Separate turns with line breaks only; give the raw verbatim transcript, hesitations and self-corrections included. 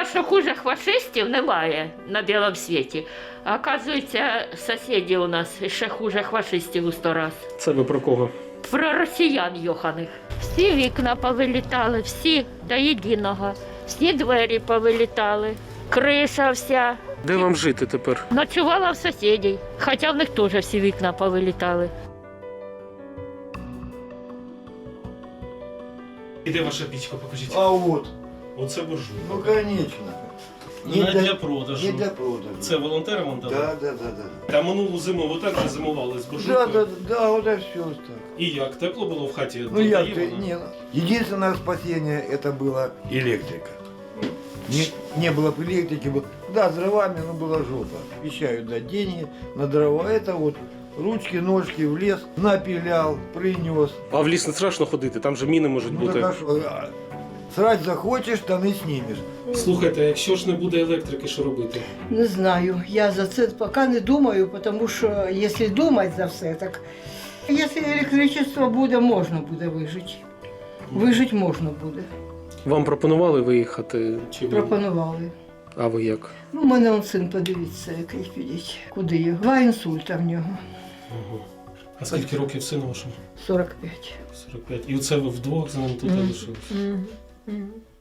думала, що хуже фашистів немає на білому світі. А оказується, сусіди у нас ще хуже фашистів у сто раз.
Це ви про кого?
Про росіян йоханих. Всі вікна повилітали, всі до єдиного. Всі двері повилітали, криша вся.
Де вам жити тепер?
Ночувала в сусідів, хоча в них теж всі вікна повилітали.
І де ваша пічка, покажіть?
А вот,
Оце буржуй.
ну конечно.
Не для продажу.
Не для продажу.
Це волонтери вам дали?
Да, да, да, да.
А минулу зиму ви так же зимували з
Да,
буржуйкою?
да, да, вот это все так.
І як? Тепло було в хаті?
Ну я,
Додає вона?
не, единственное спасение это была электрика. Не, не было бы электрики, бы- да, с дровами, но была жопа. Обещают дать деньги на дрова. Это вот ручки, ножки в лес, напилял, принес.
А в ліс не страшно ходити, там же міни можуть
Ну
бути.
так а что, а, срать захочешь, штаны снимешь.
Слухайте, а якщо ж не буде електрики, що робити?
Не знаю. Я за це поки не думаю, тому що якщо думати за все, так якщо електричество буде, можна буде вижити. Вижити можна буде.
Вам пропонували виїхати? Чи ви?
Пропонували.
А ви як?
Ну, у мене он син, подивіться, який підіть. Куди його? Два інсульта в нього.
Ого. А скільки років сину вашому?
сорок п'ять.
сорок п'ять. І оце ви вдвох з ним тут
Мгм.
залишилися?
Мгм. Мгм.